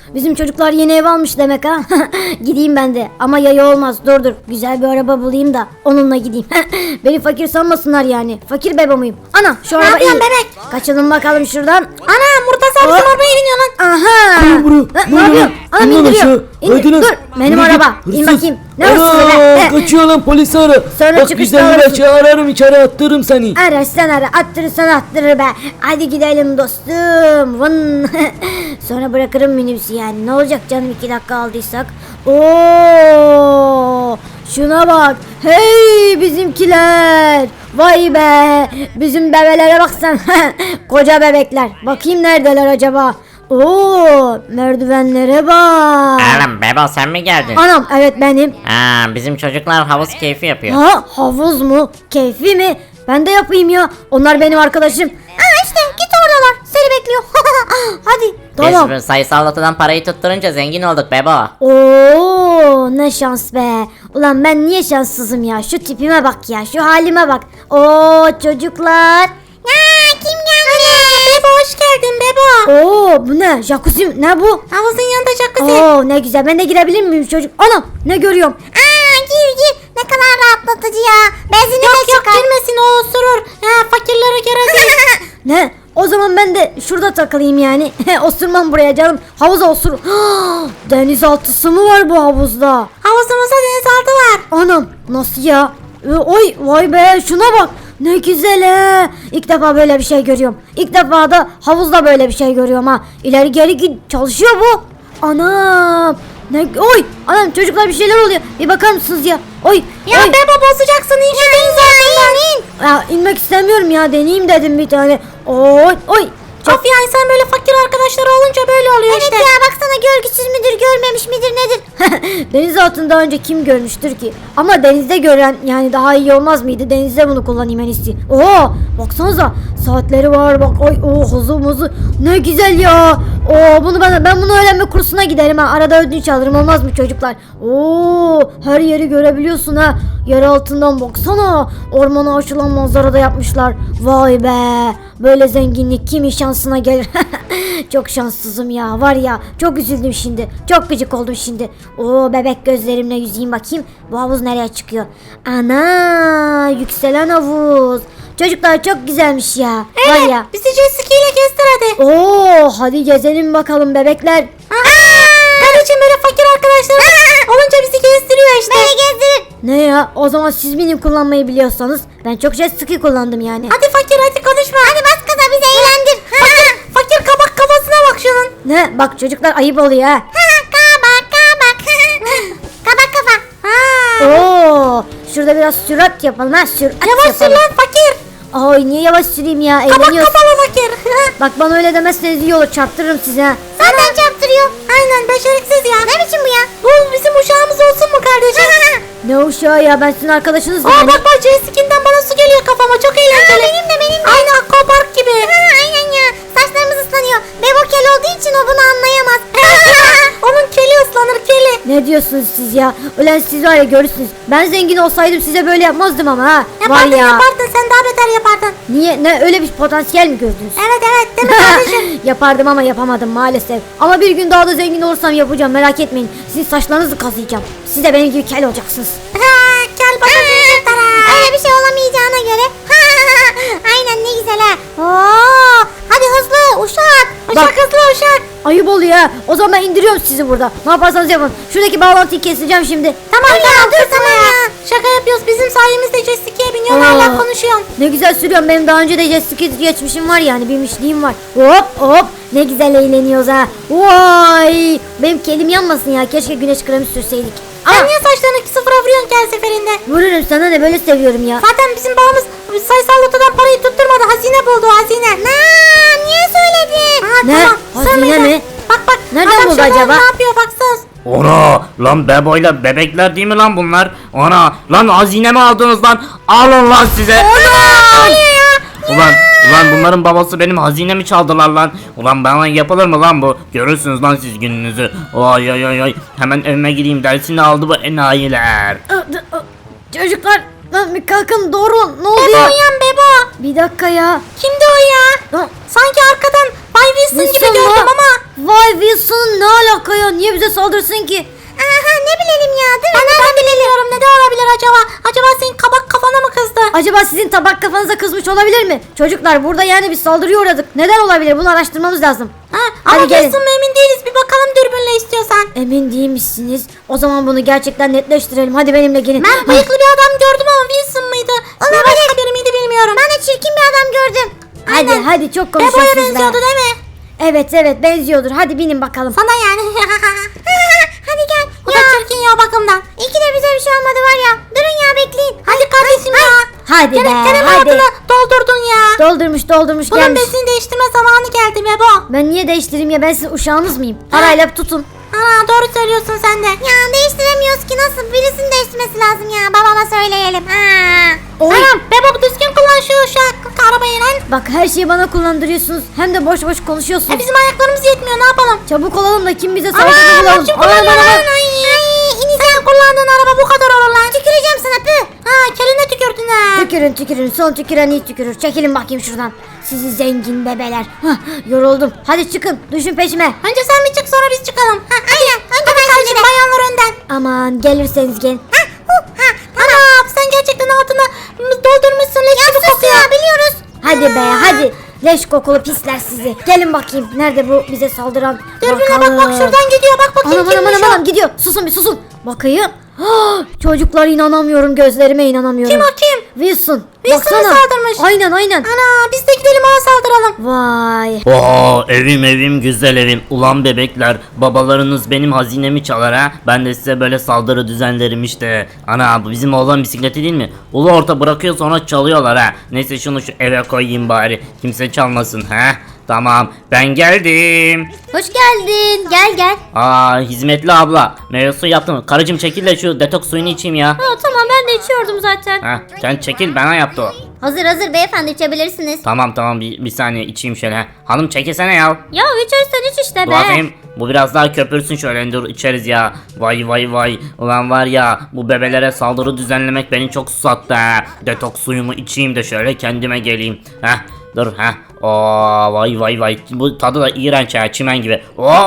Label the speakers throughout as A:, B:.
A: Bizim çocuklar yeni ev almış demek ha. Gideyim ben de. Ama yaya olmaz. Dur. Güzel bir araba bulayım da onunla gideyim. Beni fakir sanmasınlar yani. Fakir bebe muyum? Ana şu araba
B: yapıyorsun
A: iyi.
B: bebek?
A: Kaçalım bakalım şuradan.
B: Ana Murtaza bizim
A: Hop.
B: arabaya biniyor lan.
A: Aha. Ne yapıyorsun? Anam indiriyor. Dur. Benim araba. İn bakayım. Ne hırsızı be?
C: Kaçıyor lan, polisi ara.
A: Sonra
C: Bak
A: çıkışta
C: güzel bir
A: arasın.
C: açı ararım, içeri attırırım seni.
A: Ararsan ara, attırırsan attırır be. Hadi gidelim dostum. Vın. Sonra bırakırım minibüsü yani. Ne olacak canım 2 dakika aldıysak. Oo! Şuna bak. Hey bizimkiler. Vay be. Bizim bebelere baksan. Koca bebekler. Bakayım neredeler acaba? Oo, merdivenlere bak.
D: Oğlum Bebo sen mi geldin?
A: Anam evet benim.
D: Bizim çocuklar havuz keyfi yapıyor.
A: Ha havuz mu? Keyfi mi? Ben de yapayım ya. Onlar benim arkadaşım. İşte git oradalar. Seni bekliyor. Hadi. Tamam.
D: Biz sayısal lotodan parayı tutturunca zengin olduk Bebo.
A: Oo ne şans be. Ulan ben niye şanssızım ya? Şu tipime bak ya. Şu halime bak. Oo çocuklar.
B: Kim geldi? Bebo hoş geldin Bebo.
A: Oo bu ne? Jacuzzi ne bu?
B: Havuzun yanında jacuzzi.
A: Oo ne güzel. Ben de girebilir miyim çocuk? Anam ne görüyorum?
B: Gir. Ne kadar rahatlatıcı ya. Benzini yok, de çıkar. Yok girmesin o osurur. Ya fakirlere göre değil.
A: Ne? O zaman ben de şurada takılayım yani. Osurmam buraya canım. Havuza osur. Denizaltısı mı var bu havuzda?
B: Havuzumuzda denizaltı var.
A: Anam nasıl ya? Oy vay be şuna bak. Ne güzel he. İlk defa böyle bir şey görüyorum. İlk defa da havuzda böyle bir şey görüyorum ha. İleri geri git çalışıyor bu. Anam. Ne oy anam çocuklar bir şeyler oluyor. Bir bakar mısınız ya? Oy.
B: Ya
A: oy.
B: Bebo bozacaksın in şu denizaltından.
A: Ya inmek istemiyorum ya. Deneyeyim dedim bir tane. Oy.
B: Of ya insan böyle fakir arkadaşları olunca böyle oluyor işte.
A: Evet ya baksana görgüsüz müdür görmemiş midir nedir? Deniz altını daha önce kim görmüştür ki? Ama denizde gören yani daha iyi olmaz mıydı? Denizde bunu kullanayım en iyisi. Oo baksanıza saatleri var bak. Oy hızı ne güzel ya. Bunu ben bunu öğrenme kursuna giderim ha. Arada ödünç alırım olmaz mı çocuklar? Her yeri görebiliyorsun ha. Yer altından baksana. Ormana açılan manzarada yapmışlar. Vay be. Böyle zenginlik kimin şansına gelir? Çok şanssızım ya. Var ya çok üzüldüm şimdi. Çok gıcık oldum şimdi. Bebek gözlerimle yüzeyim bakayım. Bu havuz nereye çıkıyor? Ana yükselen havuz. Çocuklar çok güzelmiş ya.
B: Evet
A: Var ya.
B: bizi jet ski ile gezdir hadi.
A: Hadi gezelim bakalım bebekler.
B: Kardeşim böyle fakir arkadaşlar olunca bizi gezdiriyor işte. Beni gezdirin.
A: Ne ya? O zaman siz benim kullanmayı biliyorsanız ben çok jet ski kullandım yani.
B: Hadi fakir hadi konuşma. Hadi bas gaza bizi eğlendir. Fakir kabak kafasına bak şunun.
A: Ne? Bak çocuklar ayıp oluyor ha.
B: Kabak. Kabak kafa.
A: Şurada biraz sürat yapalım ha. Sürat
B: Yavaş sür
A: yapalım.
B: lan fakir.
A: Ay niye yavaş süreyim ya?
B: Kabak
A: Eğleniyoruz.
B: kafalı fakir.
A: Bak bana öyle demezseniz iyi olur. Çarptırırım size ha.
B: Zaten çarptırıyor. Aynen beceriksiz ya. Ne biçim bu ya? Bu bizim uşağımız olsun mu kardeşim?
A: Ne uşağı ya? Ben sizin arkadaşınız mıyım?
B: Bak jet ski'nden bana su geliyor kafama çok eğlenceli. Benim de. Aynı aquapark gibi. Aynen ya. Saçlarımız ıslanıyor. Bebo kel olduğu için o bunu anlayamaz. Onun keli ıslanır keli.
A: Ne diyorsunuz siz ya? Ulan siz var ya görürsünüz. Ben zengin olsaydım size böyle yapmazdım ama ha.
B: Yapardın
A: Var ya.
B: sen daha beter yapardın.
A: Niye? Ne öyle bir potansiyel mi gördünüz?
B: Evet değil mi kardeşim?
A: Yapardım ama yapamadım maalesef. Ama bir gün daha da zengin olursam yapacağım merak etmeyin. Sizin saçlarınızı kazıyacağım. Siz de benim gibi kel olacaksınız.
B: Kel bakacağım sana. Öyle bir şey olamayacağına göre. Aynen ne güzel ha. Hadi hızlı uşak.
A: Bak.
B: Hızlı uşak.
A: Ayıp oluyor ha. O zaman ben indiriyorum sizi burada. Ne yaparsanız yapın. Şuradaki bağlantıyı keseceğim şimdi.
B: Tamam ya. Şaka yapıyoruz. Bizim sayemizde jet ski'ye biniyorsun hala konuşuyorsun.
A: Ne güzel sürüyorum. Benim daha önce de jet ski geçmişim var yani. Binmişliğim var. Hop. Ne güzel eğleniyoruz ha. Vay. Benim kelim yanmasın ya. Keşke güneş kremi sürseydik.
B: Sen niye saçlarını sıfıra vuruyorsun ki her seferinde?
A: Vururum sana ne böyle seviyorum ya.
B: Zaten bizim babamız sayısal lotodan parayı tutturmadı. Hazine buldu hazine. Niye söyledin?
A: Ne? Hazine mi?
B: Bak.
A: Nereden
B: adam
A: buldu
B: şu an
A: acaba?
B: Ne yapıyor baksana.
D: Ona lan Bebo'yla bebekler değil mi lan bunlar? Ona lan hazine mi aldınız lan? Alın lan size. Ulan bunların babası benim hazinemi çaldılar lan. Ulan bana yapılır mı lan bu? Görürsünüz lan siz gününüzü. Ay. Hemen evime gideyim dersini aldı bu enayiler.
A: Çocuklar lan bir kalkın doğru ne oluyor?
B: Bebo uyan Bebo.
A: Bir dakika ya.
B: Kimdi o ya? Sanki arkadan Bay Wilson gibi
A: Wilson mu?
B: gördüm ama.
A: Vay Wilson ne alaka ya? Niye bize saldırsın ki?
B: Aha ne bilelim ya değil mi? Ben bilmiyorum ne de olabilir acaba? Acaba senin kabak kafana mı kızdı?
A: Acaba sizin tabak kafanıza kızmış olabilir mi? Çocuklar burada yani bir saldırıya uğradık. Neden olabilir? Bunu araştırmamız lazım.
B: Ha,
A: Hadi
B: ama
A: gelin.
B: Wilson mu emin değiliz. Bir bakalım dürbünle istiyorsan.
A: Emin değilmişsiniz. O zaman bunu gerçekten netleştirelim. Hadi benimle gelin.
B: Ben bıyıklı bir adam gördüm ama Wilson mıydı? Başka biri miydi bilmiyorum. Ben de çirkin bir adam gördüm.
A: Hadi hadi çok
B: Bebo'ya
A: konuşuyorsunuz be.
B: benziyordu değil mi?
A: Evet benziyordur. Hadi binin bakalım.
B: Sana yani. Hadi gel. O da çirkin ya bakımdan. İyi ki de bize bir şey olmadı var ya. Durun ya bekleyin. Hadi kardeşim ya.
A: Hadi be
B: Kerem
A: hadi.
B: hayatını doldurdun ya.
A: Doldurmuş
B: Bunun
A: gelmiş.
B: besini değiştirme zamanı geldi Bebo.
A: Ben niye değiştireyim ya? Ben sizin uşağınız mıyım? Parayla tutun.
B: Ha doğru söylüyorsun sen de. Ya değiştiremiyoruz ki nasıl birisinin değiştirmesi lazım ya. Babama söyleyelim.
A: Oy.
B: Tamam Bebo düzgün kullan şu arabayı lan.
A: Bak her şeyi bana kullandırıyorsunuz. Hem de boş boş konuşuyorsunuz.
B: Bizim ayaklarımız yetmiyor ne yapalım?
A: Çabuk olalım da kim bize
B: Aman
A: saldırı bulalım.
B: kim kullanıyor
A: Aman,
B: lan?
A: aman.
B: Sen kullandığın araba bu kadar olur lan. Tüküreceğim sana pü. Ha keline tükürdün ha.
A: Tükürün. Son tüküren iyi tükürür. Çekilin bakayım şuradan. Sizi zengin bebeler. Hah, yoruldum. Hadi çıkın. Düşün peşime.
B: Önce sen bir çık sonra biz çıkalım. Ha, aynen. Önce ben kardeşim bayanlar önden.
A: Aman gelirseniz gelin.
B: Ana sen gerçekten altını doldurmuşsun leş gibi kokuyor. Ya biliyoruz.
A: Hadi be hadi. Leş kokulu pisler sizi. Gelin bakayım. Nerede bu bize saldıran?
B: Dürbüne bak şuradan gidiyor bak bakayım kimmiş o.
A: Anam gidiyor. Susun bir susun. Bakayım. Çocuklar inanamıyorum. Gözlerime inanamıyorum.
B: Kim o kim?
A: Wilson.
B: Wilson'a
A: Baksana.
B: saldırmış.
A: Aynen.
B: Ana biz de gidelim ona saldıralım.
A: Vay.
D: Oo evim güzel evim. Ulan bebekler babalarınız benim hazinemi çalar ha. Ben de size böyle saldırı düzenlerim işte. Ana bu bizim oğlan bisikleti değil mi? Ulu orta bırakıyor sonra çalıyorlar ha. Neyse şunu şu eve koyayım bari. Kimse çalmasın ha. Tamam ben geldim.
A: Hoş geldin. Gel.
D: Aa hizmetli abla. Meyve suyu yaptım. Karıcığım çekil de şu detoks suyunu içeyim ya.
A: Tamam ben de içiyordum zaten.
D: Ha sen çekil bana yaptı o.
A: Hazır beyefendi içebilirsiniz.
D: Tamam bir saniye içeyim şöyle. Hanım çekilsene ya.
A: Ya içersen iç işte
D: Dur bakayım. Bu biraz daha köpürsün şöyle dur içeriz ya. Vay. Ulan var ya bu bebelere saldırı düzenlemek beni çok susattı ha. Detoks suyumu içeyim de şöyle kendime geleyim. Heh dur ha. Oo vay. Bu tadı da iğrenç ya çimen gibi.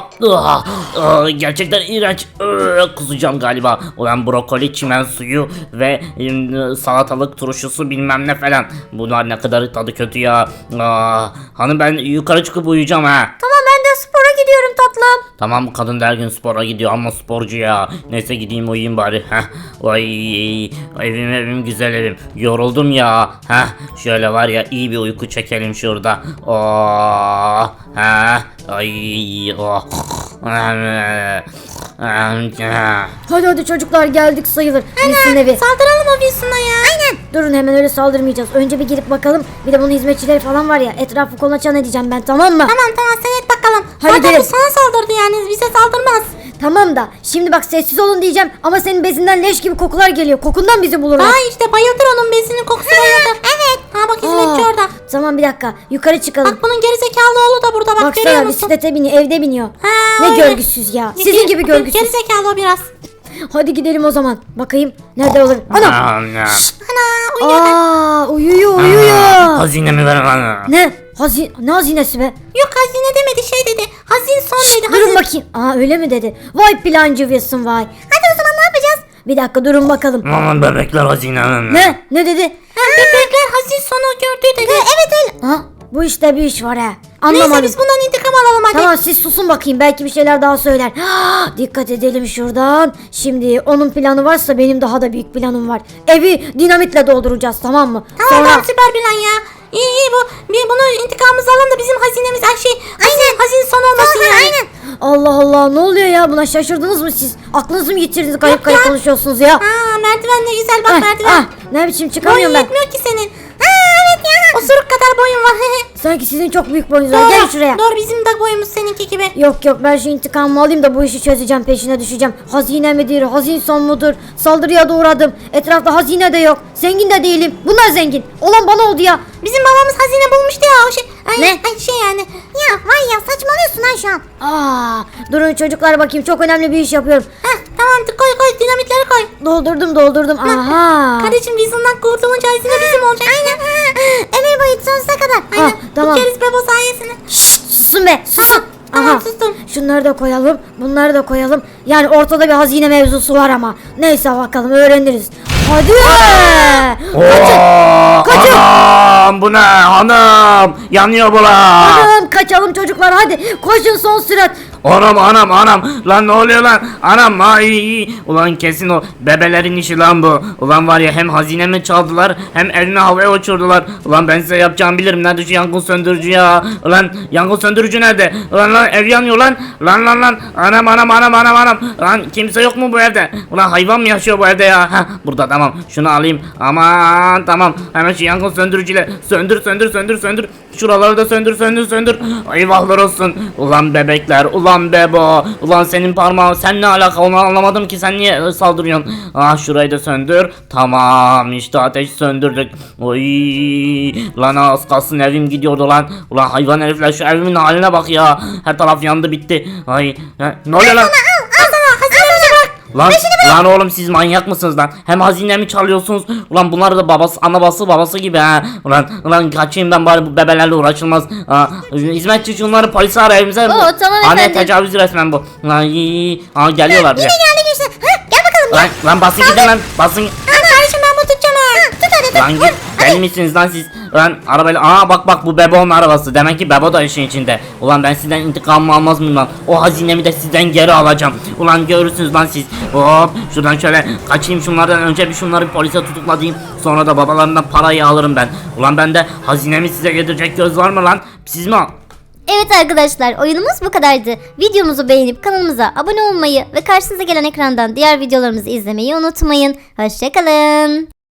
D: Gerçekten iğrenç. Kusacağım galiba. Ulan brokoli çimen suyu ve salatalık turşusu bilmem ne falan. Bunlar ne kadar tadı kötü ya. Hanım ben yukarı çıkıp uyuyacağım ha.
A: Tamam ben de spora gidiyorum tatlım.
D: Tamam bu kadın da her gün spora gidiyor ama sporcu ya. Neyse gideyim uyuyayım bari. Heh. Vay evim güzel evim. Yoruldum ya. Heh. Şöyle var ya iyi bir uyku çekelim şurada. Oh. Heh. Ay. Oh.
A: Hadi çocuklar geldik sayılır. Wilson evi.
B: Saldıralım o Wilson'a ya. Aynen.
A: Durun hemen öyle saldırmayacağız. Önce bir gidip bakalım. Bir de bunun hizmetçileri falan var ya. Etrafı kolaçan edeceğim ben tamam mı?
B: Tamam sen et bakalım.
A: Hadi
B: Zaten
A: gelin.
B: bu sana saldırdı yani bize saldırmaz.
A: Tamam da şimdi bak sessiz olun diyeceğim ama senin bezinden leş gibi kokular geliyor. Kokundan bizi bulurlar.
B: Ha işte bayıldır onun bezinin kokusu bayıldır. Evet. Ha bak hizmetçi
A: Aa,
B: orada.
A: Tamam bir dakika yukarı çıkalım.
B: Bak bunun gerizekalı oğlu da burada bak görüyor
A: Baksana
B: musun?
A: bisiklete biniyor evde biniyor.
B: Ha,
A: Ne
B: öyle.
A: görgüsüz ya. Sizin gibi görgüsüz.
B: Gerizekalı o biraz.
A: Hadi gidelim o zaman. Bakayım nerede olur. Ana.
B: Ana uyuyor.
A: Uyuyor.
D: Hazinemi ver bana.
A: Ne hazinesi be?
B: Yok hazine demedi şey dedi. Hazin son dedi.
A: Durun bakayım. Öyle mi dedi? Vay plancı Wilson vay.
B: Hadi o zaman ne yapacağız?
A: Bir dakika durun bakalım.
D: Aman bebekler hazinem.
A: Ne dedi?
B: Bebekler hazin sonu gördü dedi. Evet öyle.
A: Bu işte bir iş var ha.
B: Neyse
A: Anlamadım.
B: biz bundan intikam alalım hadi.
A: Tamam siz susun bakayım belki bir şeyler daha söyler. Dikkat edelim şuradan. Şimdi onun planı varsa benim daha da büyük planım var. Evi dinamitle dolduracağız tamam mı?
B: Tamam süper plan ya. İyi bunu intikamımızı alalım da bizim hazinemiz hazin son olmasın yani. Aynen.
A: Allah ne oluyor ya buna şaşırdınız mı siz? Aklınızı mı yitirdiniz garip
B: ya.
A: konuşuyorsunuz ya?
B: Merdiven ne güzel bak merdiven.
A: Ne biçim
B: Boyun
A: çıkamıyorum ben.
B: yetmiyor ki senin. Evet ya. Osuruk kadar boyun var.
A: Sanki sizin çok büyük boyunuz var. Gel şuraya.
B: Doğru bizim de boyumuz seninki gibi.
A: Yok ben şu intikamımı alayım da bu işi çözeceğim peşine düşeceğim. Hazine midir hazin son mudur? Saldırıya da uğradım. Etrafta hazine de yok. Zengin de değilim. Bunlar zengin. Olan bana oldu ya.
B: Bizim babamız hazine bulmuştu ya o şey.
A: Ne?
B: Şey yani. Ya var ya saçmalıyorsun lan şu an.
A: Durun çocuklar bakayım çok önemli bir iş yapıyorum.
B: Tamam koy dinamitleri koy.
A: Doldurdum. Aha.
B: Kardeşim Wilson'dan kurtulunca hazine bizim olacak. Aynen. Ömür boyu sonsuza kadar. Aynen.
A: Tamam.
B: Bu keriz bebo sayesinde.
A: susun be susun.
B: Tamam, sustum.
A: Şunları da koyalım, bunları da koyalım. Yani ortada bir hazine mevzusu var ama. Neyse bakalım öğreniriz. Hadi.
D: Oo,
A: Kaçın.
D: Anam bu ne hanım? Yanıyor bura.
A: Anam kaçalım çocuklar hadi. Koşun son sürat.
D: Anam lan ne oluyor lan anam ay ulan kesin o bebelerin işi lan bu ulan var ya hem hazinemi çaldılar hem elini havaya uçurdular ulan ben size yapacağımı bilirim nerede şu yangın söndürücü ya ulan yangın söndürücü nerede ulan ev yanıyor lan anam lan kimse yok mu bu evde ulan hayvan mı yaşıyor bu evde ya heh, burada tamam şunu alayım aman tamam hemen şu yangın söndürücüyle söndür şuraları da söndür eyvahlar olsun ulan bebekler ulan bebo ulan senin parmağın sen ne alaka onu anlamadım ki sen niye saldırıyorsun şurayı da söndür tamam işte ateş söndürdük oy lan az kalsın evim gidiyordu lan ulan hayvan herifler şu evimin haline bak ya her taraf yandı bitti ay ne oluyor lan Lan oğlum siz manyak mısınız lan? Hem hazinemi çalıyorsunuz. Ulan bunlar da babası gibi ha. Ulan kaçayım ben bari bu bebelerle uğraşılmaz. Hizmetçi şunları polise ara evimize.
B: tamam
D: Anne
B: efendim.
D: tecavüz resmen bu. Geliyorlar bize.
B: Geldik işte. Gel bakalım.
D: Lan basın gidin lan basın.
B: Ana kardeşim ben bunu tutacağım ha. Tut hadi.
D: Lan git deli misiniz lan siz? Lan arabayla bak bu Bebo'nun arabası. Demek ki Bebo da işin içinde. Ulan ben sizden intikamımı almaz mıyım lan? O hazinemi de sizden geri alacağım. Ulan görürsünüz lan siz. Hop şuradan şöyle kaçayım şunlardan önce bir şunları polise tutuklayayım. Sonra da babalarından parayı alırım ben. Ulan bende hazinemi size getirecek göz var mı lan? Siz mi?
B: Evet arkadaşlar oyunumuz bu kadardı. Videomuzu beğenip kanalımıza abone olmayı ve karşınıza gelen ekrandan diğer videolarımızı izlemeyi unutmayın. Hoşçakalın.